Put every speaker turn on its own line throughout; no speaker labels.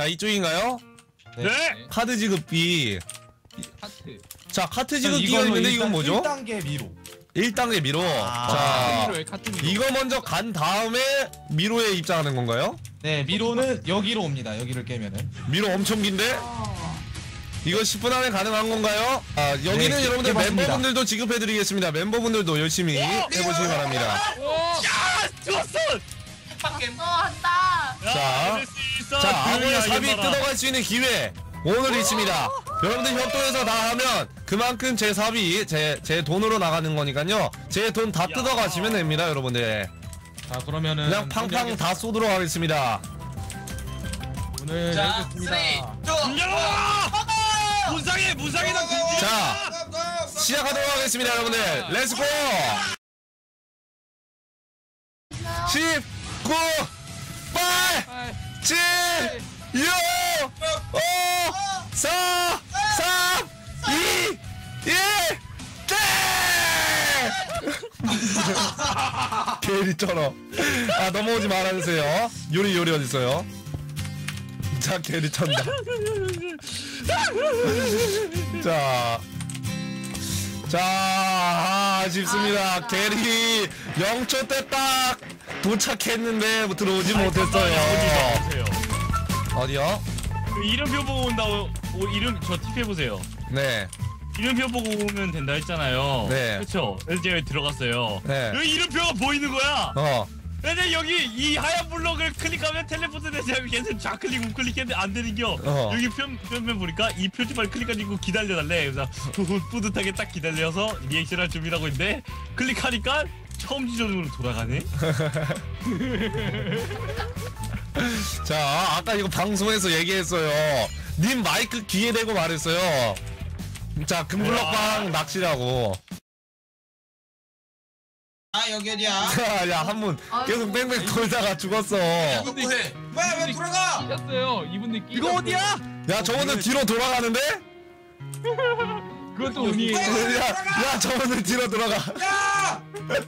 자, 이쪽인가요?
네.
카드 지급비.
하트.
자, 카트 지급비가 있는데 이건 뭐죠?
1단계 미로.
1단계 미로. 자, 이거 먼저 간 다음에 미로에 입장하는 건가요?
네, 미로는 여기로 옵니다. 여기를 깨면은.
미로 엄청 긴데? 이거 10분 안에 가능한 건가요? 아, 여기는
네,
여러분들
해봤습니다.
멤버분들도 지급해드리겠습니다. 멤버분들도 열심히 해보시기 바랍니다.
야, 좋았어.
한다.
자, 자, 아고의 삽이 뜯어갈 수 있는 기회 오늘 있습니다. 여러분들 협동해서 다 하면 그만큼 제 삽이 제 돈으로 나가는 거니까요. 제 돈 다 뜯어가시면 됩니다, 여러분들.
자, 그러면은
그냥 팡팡 다 쏘도록 하겠습니다.
오늘
자,
여기겠습니다.
3, 2, 1.
무상이다.
자, 시작하도록 하겠습니다, 여러분들. 렛츠고! 10, 9, 8, 7, 6, 5, 4, 3, 2, 1, 땡! 게리처럼. 아, 넘어오지 말아주세요. 요리 어딨어요? 자, 게리 쳤다. 자, 아쉽습니다. 게리 0초 때 딱 도착했는데 들어오지 못했어요. 어디요?
그 이름표 보고 온다고. 이름 저 팁해 보세요.
네.
이름표 보고 오면 된다 했잖아요.
네.
그렇죠. 그래서 제가 들어갔어요.
네.
여기 이름표가 보이는 거야. 근데 여기 이 하얀 블럭을 클릭하면 텔레포트 되지 계속 좌클릭 우클릭했는데 안 되는겨. 여기 표면 보니까 이 표지판 클릭하고 기다려달래. 그래서 뿌듯하게 딱 기다려서 리액션할 준비라고 있는데 클릭하니까 처음 지점으로 돌아가네.
자, 아까 이거 방송에서 얘기했어요. 님 마이크 귀에 대고 말했어요. 자, 금블럭방 낚시라고.
아 여기 어디야?
야, 한 분 계속 뺑뺑 돌다가 죽었어.
이거 뭐해? 왜 돌아가?
끼셨어요. 이분들 끼.
이거 어디야?
야, 저분들 뒤로 돌아가는데?
그것도 운이에요.
야, 저분들 뒤로 돌아가.
야!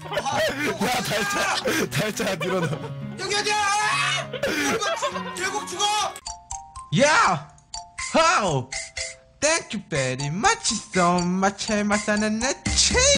야, 달차 뒤로 돌아.
여기 어디야? 결국 죽어!
Yeah! How? Thank you very much so much.